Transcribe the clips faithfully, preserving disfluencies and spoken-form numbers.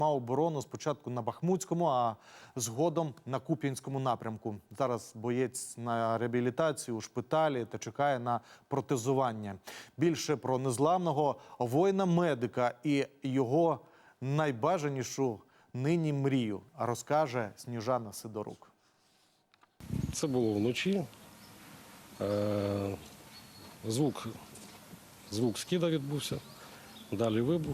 Мав оборону спочатку на Бахмутському, а згодом на Куп'янському напрямку. Зараз боєць на реабілітації у шпиталі та чекає на протезування. Більше про незламного воїна-медика і його найбажанішу нині мрію розкаже Сніжана Сидорук. Це було вночі. Звук, звук скида відбувся, далі вибух.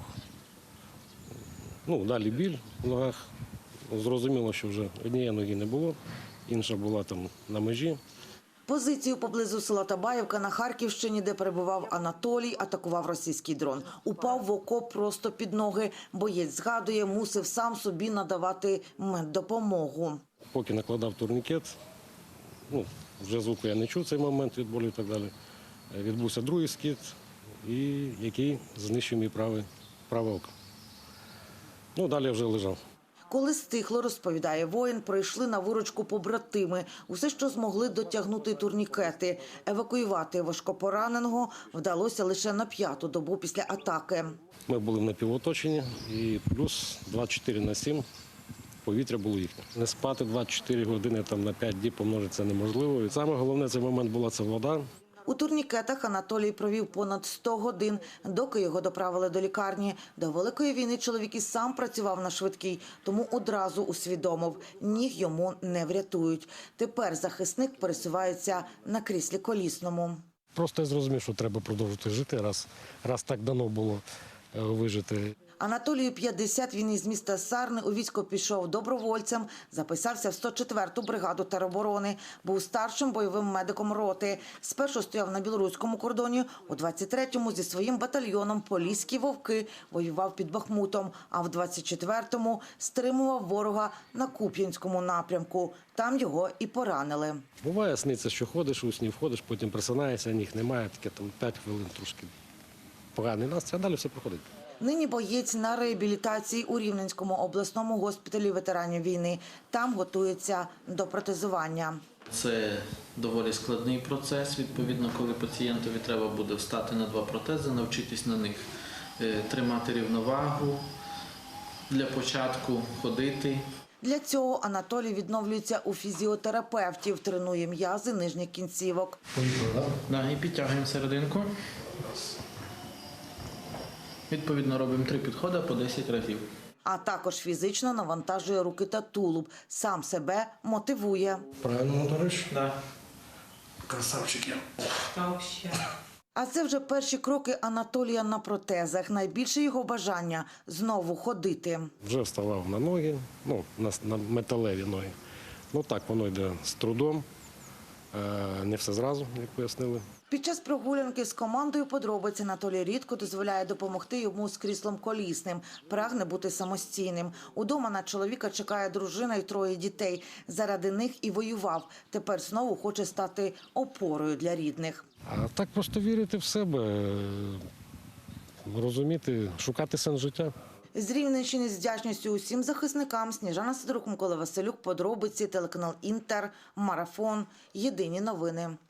Ну, далі біль в ногах. Зрозуміло, що вже однієї ноги не було, інша була там на межі. Позицію поблизу села Табаївка на Харківщині, де перебував Анатолій, атакував російський дрон. Упав в окоп просто під ноги. Боєць згадує, мусив сам собі надавати меддопомогу. Поки накладав турнікет, ну, вже звуку я не чув цей момент від болю і так далі. Відбувся другий скид, і який знищив мій праве, праве око. Ну, далі я вже лежав. Коли стихло, розповідає воїн, прийшли на виручку побратими. Усе, що змогли, дотягнути турнікети. Евакуювати важкопораненого вдалося лише на п'яту добу після атаки. Ми були в напівоточенні і плюс двадцять чотири на сім повітря було їхнє. Не спати двадцять чотири години там, на п'ять діб помножити це неможливо. І саме головне цей момент була це вода. У турнікетах Анатолій провів понад сто годин, доки його доправили до лікарні. До Великої війни чоловік і сам працював на швидкій, тому одразу усвідомив – ніг йому не врятують. Тепер захисник пересувається на кріслі колісному. Просто я зрозумів, що треба продовжувати жити, раз, раз так дано було вижити. Анатолію п'ятдесят, він із міста Сарни у військо пішов добровольцем, записався в сто четверту бригаду тероборони, був старшим бойовим медиком роти. Спершу стояв на білоруському кордоні, у двадцять третьому зі своїм батальйоном «Поліські вовки» воював під Бахмутом, а в двадцять четвертому стримував ворога на Куп'янському напрямку. Там його і поранили. Буває, сниться, що ходиш, у сні входиш, потім просинаєшся, ніг немає, таке там п'ять хвилин трошки поганий настрій, а далі все проходить. Нині боєць на реабілітації у Рівненському обласному госпіталі ветеранів війни. Там готується до протезування. Це доволі складний процес. Відповідно, коли пацієнтові треба буде встати на два протези, навчитись на них тримати рівновагу, для початку ходити. Для цього Анатолій відновлюється у фізіотерапевтів, тренує м'язи нижніх кінцівок. Да, і підтягуємо серединку. Відповідно, робимо три підходи по десять разів. А також фізично навантажує руки та тулуб. Сам себе мотивує. Правильно моториш? Так. Красавчик я. А це вже перші кроки Анатолія на протезах. Найбільше його бажання – знову ходити. Вже вставав на ноги, ну, на, на металеві ноги. Ну так, воно йде з трудом, е, не все зразу, як пояснили. Під час прогулянки з командою подробиць Анатолій рідко дозволяє допомогти йому з кріслом колісним. Прагне бути самостійним. Удома на чоловіка чекає дружина і троє дітей. Заради них і воював. Тепер знову хоче стати опорою для рідних. А так просто вірити в себе, розуміти, шукати сенс життя. З Рівненщини з вдячністю усім захисникам. Сніжана Сидорук, Микола Василюк, подробиці, телеканал Інтер, Марафон, Єдині новини.